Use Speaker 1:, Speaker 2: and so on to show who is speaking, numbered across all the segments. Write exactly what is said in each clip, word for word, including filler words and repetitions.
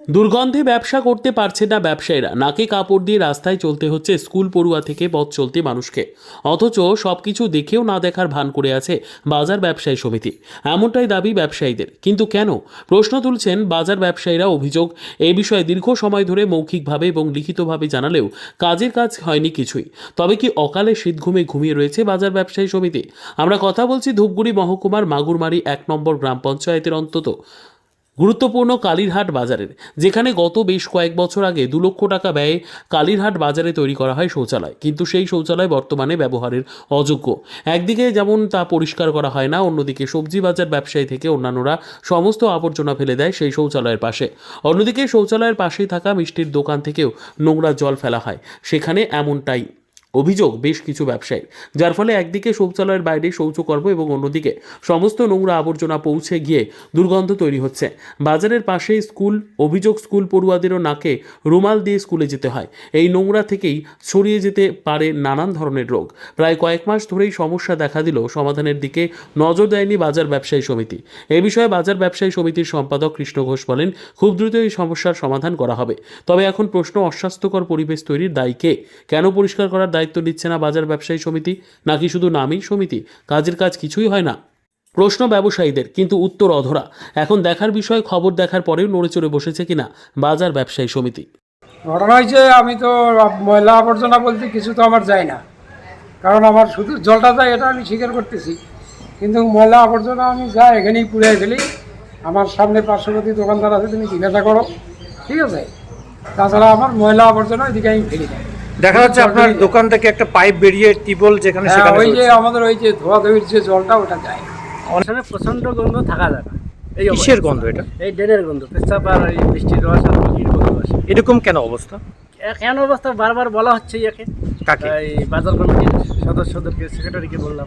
Speaker 1: দুর্গন্ধে ব্যবসা করতে পারছে না ব্যবসায়ীরা, নাকে কাপড় দিয়ে রাস্তায় চলতে হচ্ছে স্কুল পড়ুয়া থেকে পথ চলতি মানুষকে। অথচ সবকিছু দেখেও না দেখার ভান করে আছে বাজার ব্যবসায়ী সমিতি, এমনটাই দাবি ব্যবসায়ীদের। কিন্তু কেন, প্রশ্ন তুলছেন বাজার ব্যবসায়ীরা। অভিযোগ, এই বিষয়ে দীর্ঘ সময় ধরে মৌখিকভাবে এবং লিখিতভাবে জানালেও কাজের কাজ হয়নি কিছুই। তবে কি অকালে শীত ঘুমে ঘুমিয়ে রয়েছে বাজার ব্যবসায়ী সমিতি? আমরা কথা বলছি ধূপগুড়ি মহকুমার মাগুরমারি এক নম্বর গ্রাম পঞ্চায়েতের অন্তত গুরুত্বপূর্ণ কালীরহাট বাজারের, যেখানে গত বেশ কয়েক বছর আগে দু লক্ষ টাকা ব্যয়ে কালীরহাট বাজারে তৈরি করা হয় শৌচালয়। কিন্তু সেই শৌচালয় বর্তমানে ব্যবহারের অযোগ্য। একদিকে যেমন তা পরিষ্কার করা হয় না, অন্যদিকে সবজি বাজার ব্যবসায়ী থেকে অন্যান্যরা সমস্ত আবর্জনা ফেলে দেয় সেই শৌচালয়ের পাশে। অন্যদিকে শৌচালয়ের পাশেই থাকা মিষ্টির দোকান থেকেও নোংরা জল ফেলা হয় সেখানে, এমনটাই অভিযোগ বেশ কিছু ব্যবসায়ীর। যার ফলে একদিকে শৌচালয়ের বাইরে শৌচকর্ম এবং অন্যদিকে সমস্ত নোংরা আবর্জনা পৌঁছে গিয়ে দুর্গন্ধ তৈরি হচ্ছে। বাজারের পাশেই স্কুল, অভিযোগ স্কুল পড়ুয়াদেরও নাকে রুমাল দিয়ে স্কুলে যেতে হয়। এই নোংরা থেকেই ছড়িয়ে যেতে পারে নানান ধরনের রোগ। প্রায় কয়েক মাস ধরেই সমস্যা দেখা দিলেও সমাধানের দিকে নজর দেয়নি বাজার ব্যবসায়ী সমিতি। এ বিষয়ে বাজার ব্যবসায়ী সমিতির সম্পাদক কৃষ্ণ ঘোষ বলেন, খুব দ্রুত এই সমস্যার সমাধান করা হবে। তবে এখন প্রশ্ন, অস্বাস্থ্যকর পরিবেশ তৈরির দায়ী কে? কেন পরিষ্কার করার দায়িত্ব নিচ্ছে না বাজার ব্যবসায়ী সমিতি? নাকি শুধু নামই সমিতি, কাজের কাজ কিছুই হয় না? প্রশ্ন ব্যবসায়ীদের, কিন্তু উত্তর অধরা। এখন দেখার বিষয়, খবর দেখার পরেও নড়ে চড়ে বসেছে কিনা বাজার ব্যবসায়ী সমিতি।
Speaker 2: ঘটনা হয়েছে, আমি তো ময়লা আবর্জনা বলতে কিছু তো আমার যায় না, কারণ আমার শুধু জলটা যায়, এটা আমি স্বীকার করতেছি। কিন্তু ময়লা আবর্জনা আমি যাই এখানেই পুড়ে ফেলি। আমার সামনে পার্শ্ববর্তী দোকানদার আছে, তুমি জিজ্ঞাসা করো, ঠিক আছে। তাছাড়া আমার ময়লা আবর্জনা ওইদিকে আমি ফেলি না।
Speaker 3: দেখা যাচ্ছে আপনার দোকান থেকে একটা পাইপ বেরিয়ে টিউবওয়েল যেখানে
Speaker 2: হ্যাঁ,
Speaker 3: সেখানে
Speaker 2: ওই যে
Speaker 3: চলছে।
Speaker 2: আমাদের ওই যে ধোয়া ধুয়ির যে জলটা, ওটা যায় না।
Speaker 4: ওখানে প্রচন্ড গন্ধ থাকা যায় না। এই
Speaker 3: কিসের
Speaker 4: অবস্থা।
Speaker 3: গন্ধ এটা?
Speaker 4: এই ড্রেনের গন্ধ, পেশাব আর এই বৃষ্টির রস আর পাখির গন্ধ আসে।
Speaker 3: এরকম কেন অবস্থা?
Speaker 4: এ- কেন অবস্থা বারবার বলা হচ্ছে ইয়াকে,
Speaker 3: কাকে?
Speaker 4: এই বাজার কমিটির সদস্যদেরকে, সেক্রেটারিকে বললাম।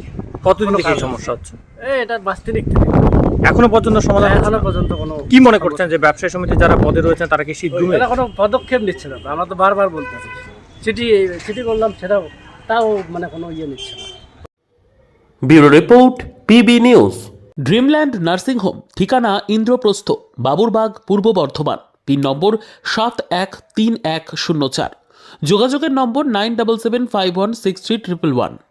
Speaker 3: কতদিন থেকে এই
Speaker 4: কারণ-
Speaker 3: সমস্যা হচ্ছে?
Speaker 4: এই এটা বাস্তিনিক থেকে
Speaker 3: এখনো পর্যন্ত সমাধান হচ্ছে
Speaker 4: এখনো
Speaker 3: না?
Speaker 4: পর্যন্ত কোনো
Speaker 3: কি মনে করছেন যে ব্যবসায়ী সমিতি যারা পদে রয়েছেন তারা কি শীত ঘুমে?
Speaker 4: এরা কোনো পদক্ষেপ নিচ্ছে না। আমরা তো বারবার বলতেছি, চিঠি চিঠি করলাম, সেটাও তাও মানে কোনো ইয়ে নিচ্ছে না।
Speaker 1: Bureau report, PB news. Dreamland nursing home, ঠিকানা ইন্দ্রপ্রস্থ, বাবুরবাগ, পূর্ব বর্ধমান। পিন নম্বর সাত এক তিন এক শূন্য চার। যোগাযোগের number nine double seven five one six three triple one.